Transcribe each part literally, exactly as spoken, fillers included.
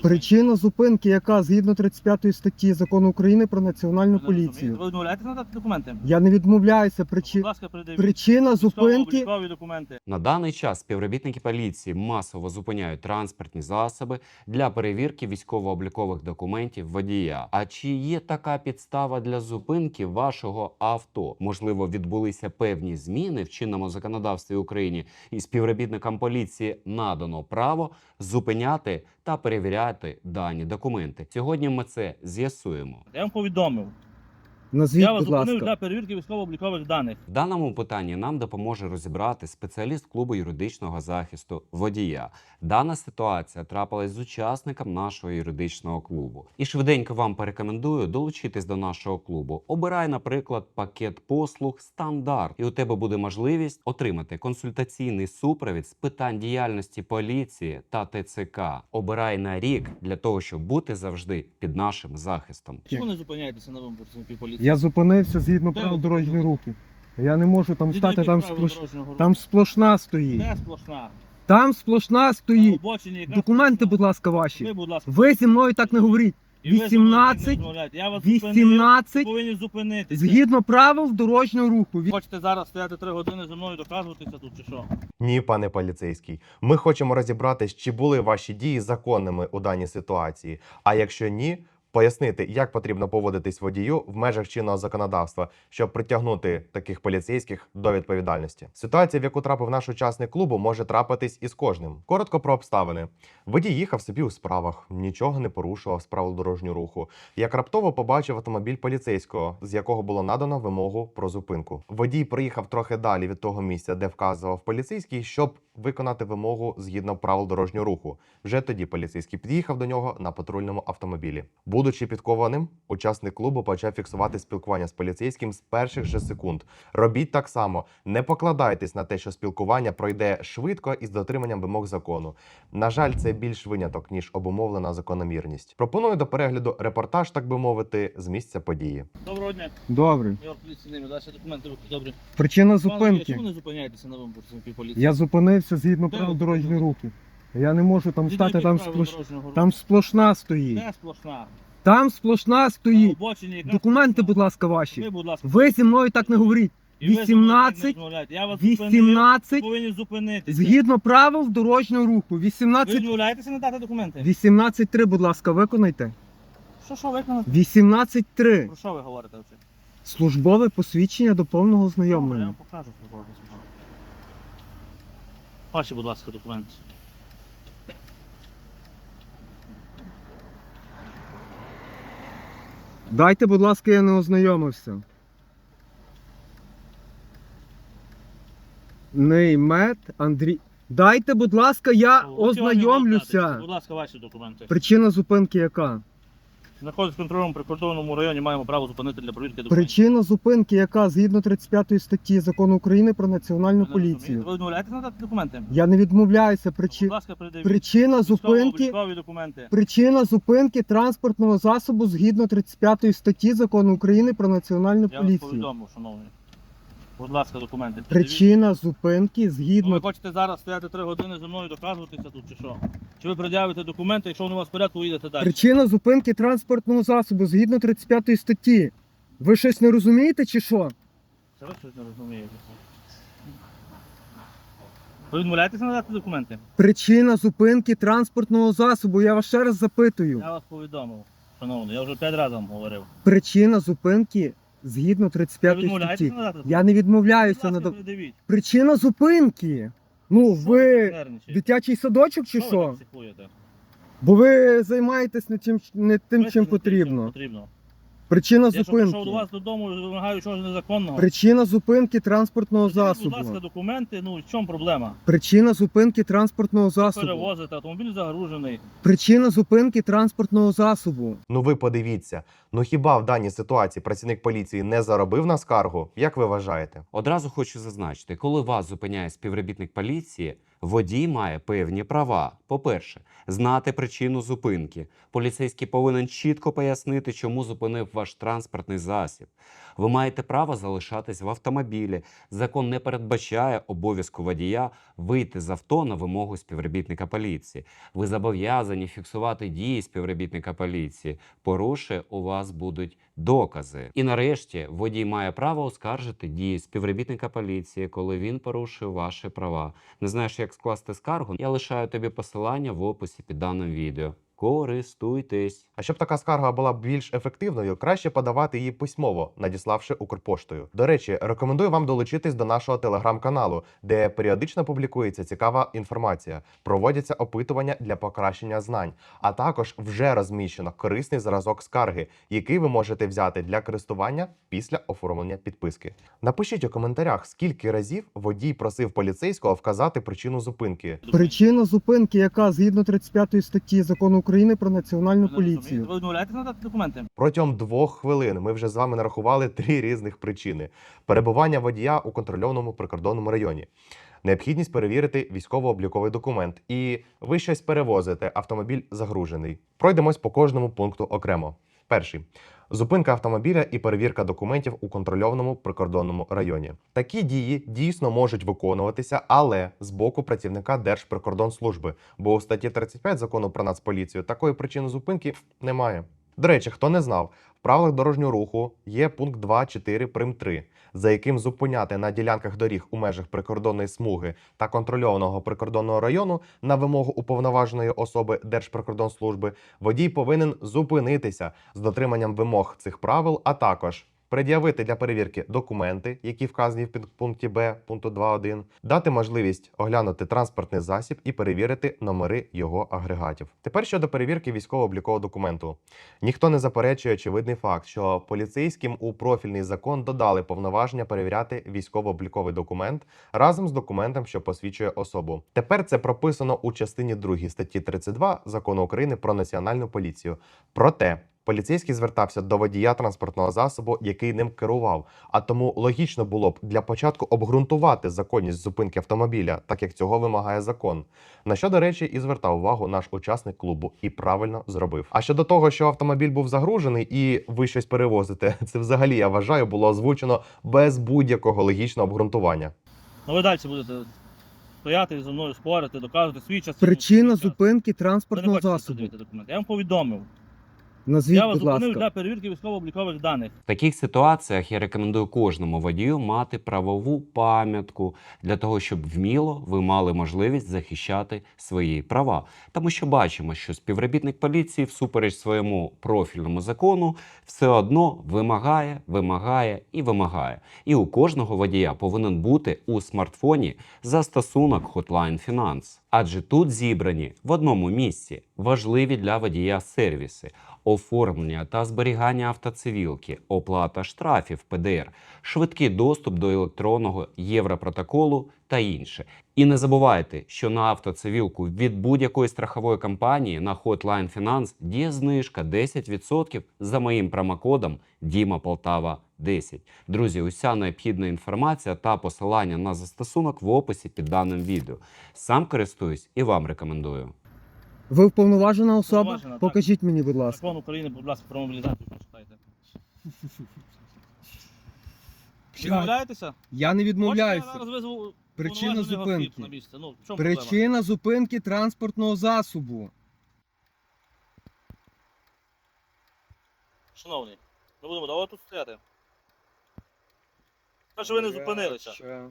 Причина зупинки, яка згідно тридцять п'ятої статті Закону України про національну Ви не розумієте? поліцію. Ви відмовляєтесь надати документи? Я не відмовляюся. Причи... Будь ласка, передивіть. Причина зупинки. Військово-облікові документи. На даний час співробітники поліції масово зупиняють транспортні засоби для перевірки військово-облікових документів водія. А чи є така підстава для зупинки вашого авто? Можливо, відбулися певні зміни в чинному законодавстві України, і співробітникам поліції надано право зупиняти та перевіряти дані документи. Сьогодні ми це з'ясуємо. Я вам повідомив. Назвіть, Я вас будь зупинив ласка. для перевірки військово-облікових даних. В даному питанні нам допоможе розібрати спеціаліст клубу юридичного захисту водія. Дана ситуація трапилась з учасником нашого юридичного клубу. І швиденько вам порекомендую долучитись до нашого клубу. Обирай, наприклад, пакет послуг «Стандарт», і у тебе буде можливість отримати консультаційний супровід з питань діяльності поліції та Т Ц К. Обирай на рік для того, щоб бути завжди під нашим захистом. Чому не зупиняєтеся на вимогу працівників поліції? Я зупинився згідно Де правил ви дорожнього руху. Я не можу там Згідно стати, яких там, правил сплош... дорожнього руху? там сплошна стоїть. Де сплошна? Там сплошна На стоїть. обочині якраз Документи, сплошна. будь ласка, Ви, ваші. будь ласка. Ви зі мною так не говоріть. І ви за мною вісімнадцять, не розмовляєте. Я вас зупинив, вісімнадцять, повинні зупинитися. згідно правил дорожнього руху. Ві- Хочете зараз стояти три години зі мною доказуватися тут чи що? Ні, пане поліцейський. Ми хочемо розібратись, чи були ваші дії законними у даній ситуації. А якщо ні, пояснити, як потрібно поводитись водію в межах чинного законодавства, щоб притягнути таких поліцейських до відповідальності. Ситуація, в яку трапив наш учасник клубу, може трапитись із кожним. Коротко про обставини. Водій їхав собі у справах, нічого не порушував з правил дорожнього руху. Як раптово побачив автомобіль поліцейського, з якого було надано вимогу про зупинку. Водій проїхав трохи далі від того місця, де вказував поліцейський, щоб виконати вимогу згідно правил дорожнього руху. Вже тоді поліцейський під'їхав до нього на патрульному автомобілі. Будучи підкованим, учасник клубу почав фіксувати спілкування з поліцейським з перших же секунд. Робіть так само. Не покладайтесь на те, що спілкування пройде швидко і з дотриманням вимог закону. На жаль, це більш виняток, ніж обумовлена закономірність. Пропоную до перегляду репортаж, так би мовити, з місця події. Доброго дня. Добре. Я поліції не далі документи руки. Добре. Причина Пане, зупинки. чому не зупиняєтеся на вимогу працівників поліції? Я зупинився згідно Де правил ви дорожнього руху. Я не можу там Згідно стати, яких там, правил сплош... дорожнього руху? там сплошна стоїть. Де сплошна? Там сплошна На стоїть. обочині якраз Документи, сплошна. будь ласка, Ви, ваші. будь ласка. Ви зі мною так не говоріть. І ви зі мною так не вісімнадцять, розмовляєте. Я вас зупинив, вісімнадцять, повинні зупинитися. згідно правил дорожнього руху. Ви вісімнадцять, відмовляєтеся надати документи? вісімнадцять три, будь ласка, виконайте. Що, що виконати? вісімнадцять три. Про що ви говорите вже? Службове посвідчення до повного Я ознайомлення. вам покажу. що робити. Ваші, будь ласка, документи. Дайте, будь ласка, я не ознайомився. Неймет Андрій. Дайте, будь ласка, я О, от сьогодні ознайомлюся. вкладайте. Будь ласка, ваші документи. Причина зупинки яка? Знаходиться в контрольному прикордонному районі, маємо право зупинити для перевірки документів. Причина зупинки яка згідно тридцять п'ятої статті Закону України про національну Ви не розумієте? поліцію. Ви відмовляєтесь надати документи? Я не відмовляюся. Причи... Будь ласка, передивіть. Причина зупинки. Військово-облікові документи. Причина зупинки транспортного засобу згідно тридцять п'ятої статті Закону України про національну Я вас поліцію. повідомив, шановний. Будь ласка, документи. Передивіть. Причина зупинки Ну, ви згідно. хочете зараз стояти три години зі мною доказуватися тут чи що? Чи ви пред'явите документи, якщо вони у вас в порядку, ви їдете далі? Причина зупинки транспортного засобу згідно тридцять п'ятої статті. Ви щось не розумієте чи що? Це ви щось не розумієте. Ви відмовляєтеся надати документи? Причина зупинки транспортного засобу. Я вас ще раз запитую. Я вас повідомив, шановний, я вже п'ять разів вам говорив. Причина зупинки згідно тридцять Ви п'ятої відмовляєтеся статті. надати? Я не відмовляюся. Будь на ласка, до- передивіть. Причина зупинки. Ну, Що ви нервничаєте? дитячий садочок чи Що ви що? так психуєте? Бо ви займаєтесь не тим, не тим, Ви чим не тим, потрібно. потрібно. Причина Я що прийшов до зупинки. вас додому і вимагаю чогось незаконного. Причина зупинки транспортного Придивіть, засобу. Будь ласка, документи, ну в чому проблема? Причина зупинки транспортного засобу. Перевозите, автомобіль загружений. Причина зупинки транспортного засобу. Ну ви подивіться, ну хіба в даній ситуації працівник поліції не заробив на скаргу? Як ви вважаєте? Одразу хочу зазначити, коли вас зупиняє співробітник поліції, водій має певні права. По-перше, знати причину зупинки. Поліцейський повинен чітко пояснити, чому зупинив ваш транспортний засіб. Ви маєте право залишатись в автомобілі. Закон не передбачає обов'язку водія вийти з авто на вимогу співробітника поліції. Ви зобов'язані фіксувати дії співробітника поліції. Порушує, у вас будуть докази. І нарешті водій має право оскаржити дії співробітника поліції, коли він порушує ваші права. Не знаєш, як скласти скаргу? Я лишаю тобі посилання в описі під даним відео. Користуйтесь. А щоб така скарга була більш ефективною, краще подавати її письмово, надіславши Укрпоштою. До речі, рекомендую вам долучитись до нашого телеграм-каналу, де періодично публікується цікава інформація, проводяться опитування для покращення знань, а також вже розміщено корисний зразок скарги, який ви можете взяти для користування після оформлення підписки. Напишіть у коментарях, скільки разів водій просив поліцейського вказати причину зупинки. Причина зупинки, яка згідно тридцять п'ятої статті Закону України про національну Ви поліцію. відмовляєтесь надати документи? Протягом двох хвилин ми вже з вами нарахували три різних причини: перебування водія у контрольованому прикордонному районі, необхідність перевірити військово-обліковий документ, і ви щось перевозите, автомобіль загружений. Пройдемось по кожному пункту окремо. Перший. Зупинка автомобіля і перевірка документів у контрольованому прикордонному районі. Такі дії дійсно можуть виконуватися, але з боку працівника Держприкордонслужби, бо у статті тридцять п'ять Закону про Нацполіцію такої причини зупинки немає. До речі, хто не знав, в правилах дорожнього руху є пункт два чотири прим три, за яким зупиняти на ділянках доріг у межах прикордонної смуги та контрольованого прикордонного району на вимогу уповноваженої особи Держприкордонслужби водій повинен зупинитися з дотриманням вимог цих правил, а також пред'явити для перевірки документи, які вказані в підпункті Б пункту два один, дати можливість оглянути транспортний засіб і перевірити номери його агрегатів. Тепер щодо перевірки військово-облікового документу. Ніхто не заперечує очевидний факт, що поліцейським у профільний закон додали повноваження перевіряти військово-обліковий документ разом з документом, що посвідчує особу. Тепер це прописано у частині другій статті тридцять два Закону України про Національну поліцію. Проте поліцейський звертався до водія транспортного засобу, який ним керував, а тому логічно було б для початку обґрунтувати законність зупинки автомобіля, так як цього вимагає закон. На що, до речі, і звертав увагу наш учасник клубу і правильно зробив. А щодо того, що автомобіль був загружений і ви щось перевозите, це взагалі, я вважаю, було озвучено без будь-якого логічного обґрунтування. Ну ви далі будете стояти зі мною, спорити, доказувати свій час. Причина свій час. зупинки Ви не транспортного хочете засобу. передивити документи. Я вам повідомив. Назвіть, Я вас будь зупинив ласка. для перевірки військово-облікових даних. В таких ситуаціях я рекомендую кожному водію мати правову пам'ятку для того, щоб вміло ви мали можливість захищати свої права. Тому що бачимо, що співробітник поліції всупереч своєму профільному закону все одно вимагає, вимагає і вимагає. І у кожного водія повинен бути у смартфоні застосунок Hotline Finance. Адже тут зібрані в одному місці важливі для водія сервіси: оформлення та зберігання автоцивілки, оплата штрафів Пе Де Ер, швидкий доступ до електронного Європротоколу та інше. І не забувайте, що на автоцивілку від будь-якої страхової компанії на Hotline Finance діє знижка десять відсотків за моїм промокодом Діма Полтава десять. Друзі, уся необхідна інформація та посилання на застосунок в описі під даним відео. Сам користуюсь і вам рекомендую. Ви вповноважена особа? Вповноважена, так. Покажіть мені, будь ласка. Закон України, будь ласка, про мобілізацію прочитайте. Відмовляєтеся? Я не Хочете, відмовляюся. я зараз визву Причина уповноваженого осіб зупинки. на місце? Ну, в чому проблема? Причина зупинки транспортного засобу. Шановний, ми будемо довго тут стояти. Те, що ви не зупинилися.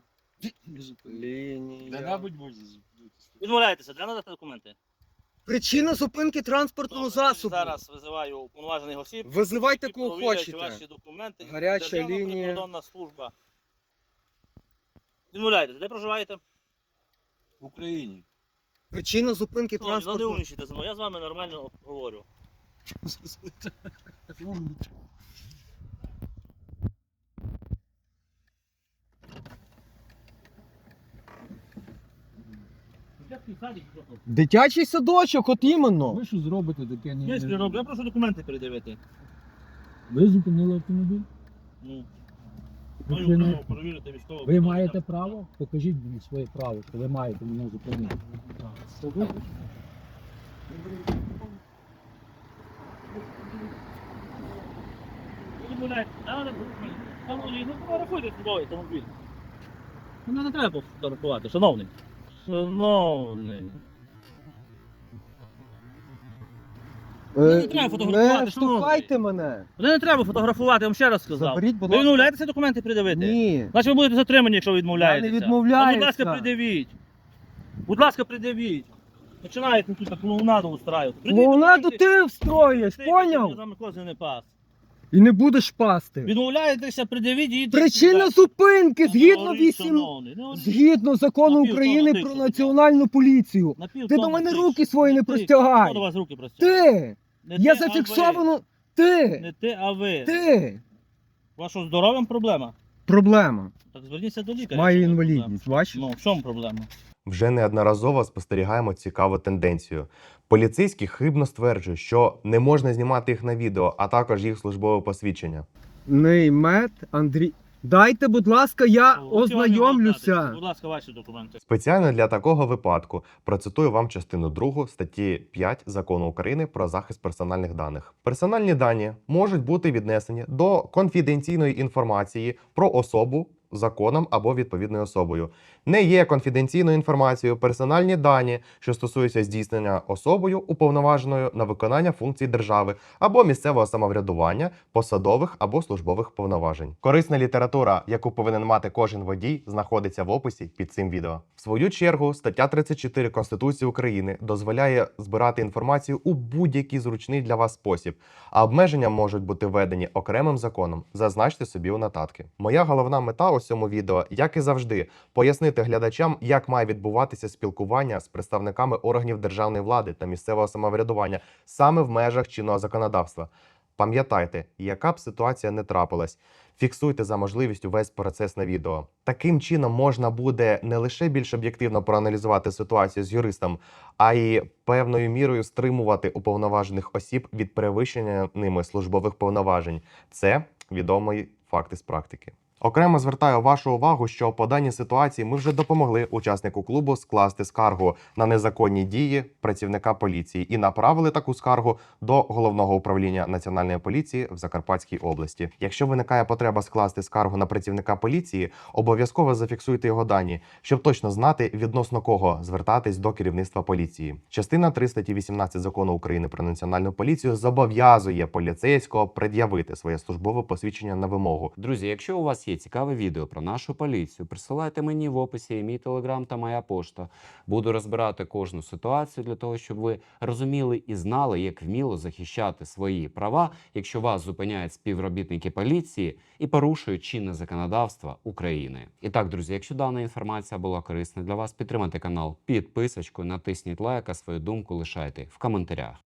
Лінія. Відмовляєтеся, для надати документи. Причина зупинки транспортного Добре, засобу. Зараз визиваю уповноважених осіб. Визивайте які кого провірять хочете. ваші документи. Гаряча Державна лінія. прикордонна служба. Відмовляєтеся, де проживаєте? В Україні. Причина зупинки Ну, не транспортного. умнічайте зі мною, я з вами нормально говорю. Дитячий садик просто. Дитячий садочок, от іменно. Ви що зробите таке? Ні, Я ж не роблю, я прошу документи передивити. Ви зупинили автомобіль? Ну, Ви, маю це не- право перевірити військово. ви маєте право? Покажіть мені своє право, що ви маєте мене зупинити. Ви відмовляєте. А, не- Шановний, ну фотографуйте службовий автомобіль. Мене не треба фотографувати, шановний. Шановний. Мене не треба фотографувати, Не шановний. штовхайте мене. Мене не треба фотографувати, я вам ще раз сказав. Заберіть, будь Ви ласка. відмовляєтеся документи придавити? Ні. Значить ви будете затримані, якщо ви відмовляєтеся. Я не відмовляюся. Ну, будь ласка, придавіть. Будь ласка, придавіть. Починаєте тут клоунаду устраювати. Придавіть Клоунаду документи. ти встроїш, Ти, поняв? Я з вами кози не пас. І не будеш пасти. Відмовляєтеся, придавіть і йдіть Причина сюди. зупинки Ну, згідно говоріть, вісім... шановний, ну, Згідно закону Напів України тонна про тисячу, національну поліцію. на пів Ти до тонни мене тисячу. руки свої не ти. простягай. Хто до вас руки простягає? Ти! Не Я ти, а зафіксовано. ви. Ти! Не ти, а ви. Ти! У вас що, здоров'ям проблема? Проблема. Так зверніться до лікаря. Маю якщо у вас інвалідність, бачиш? проблема. Ну, в чому проблема? Вже неодноразово спостерігаємо цікаву тенденцію. Поліцейські хибно стверджують, що не можна знімати їх на відео, а також їх службове посвідчення. Неймет Андрій. Дайте, будь ласка, я Руки вам не можна дати. ознайомлюся. Будь ласка, ваші документи. Спеціально для такого випадку процитую вам частину другу статті п'ять Закону України про захист персональних даних. Персональні дані можуть бути віднесені до конфіденційної інформації про особу законом або відповідною особою. Не є конфіденційною інформацією персональні дані, що стосуються здійснення особою, уповноваженою на виконання функцій держави або місцевого самоврядування, посадових або службових повноважень. Корисна література, яку повинен мати кожен водій, знаходиться в описі під цим відео. В свою чергу, стаття тридцять чотири Конституції України дозволяє збирати інформацію у будь-який зручний для вас спосіб, а обмеження можуть бути введені окремим законом. Зазначте собі у нотатки. Моя головна мета у цьому відео, як і завжди, пояснити глядачам, як має відбуватися спілкування з представниками органів державної влади та місцевого самоврядування саме в межах чинного законодавства. Пам'ятайте, яка б ситуація не трапилась, фіксуйте за можливістю весь процес на відео. Таким чином можна буде не лише більш об'єктивно проаналізувати ситуацію з юристом, а й певною мірою стримувати уповноважених осіб від перевищення ними службових повноважень. Це відомий факт із практики. Окремо звертаю вашу увагу, що по даній ситуації ми вже допомогли учаснику клубу скласти скаргу на незаконні дії працівника поліції і направили таку скаргу до Головного управління Національної поліції в Закарпатській області. Якщо виникає потреба скласти скаргу на працівника поліції, обов'язково зафіксуйте його дані, щоб точно знати, відносно кого звертатись до керівництва поліції. Частина три статті вісімнадцять Закону України про Національну поліцію зобов'язує поліцейського пред'явити своє службове посвідчення на вимогу. Друзі, якщо у вас є цікаве відео про нашу поліцію, присилайте мені в описі і мій телеграм та моя пошта. Буду розбирати кожну ситуацію для того, щоб ви розуміли і знали, як вміло захищати свої права, якщо вас зупиняють співробітники поліції і порушують чинне законодавство України. І так, друзі, якщо дана інформація була корисна для вас, підтримайте канал підписочкою, натисніть лайк, а свою думку лишайте в коментарях.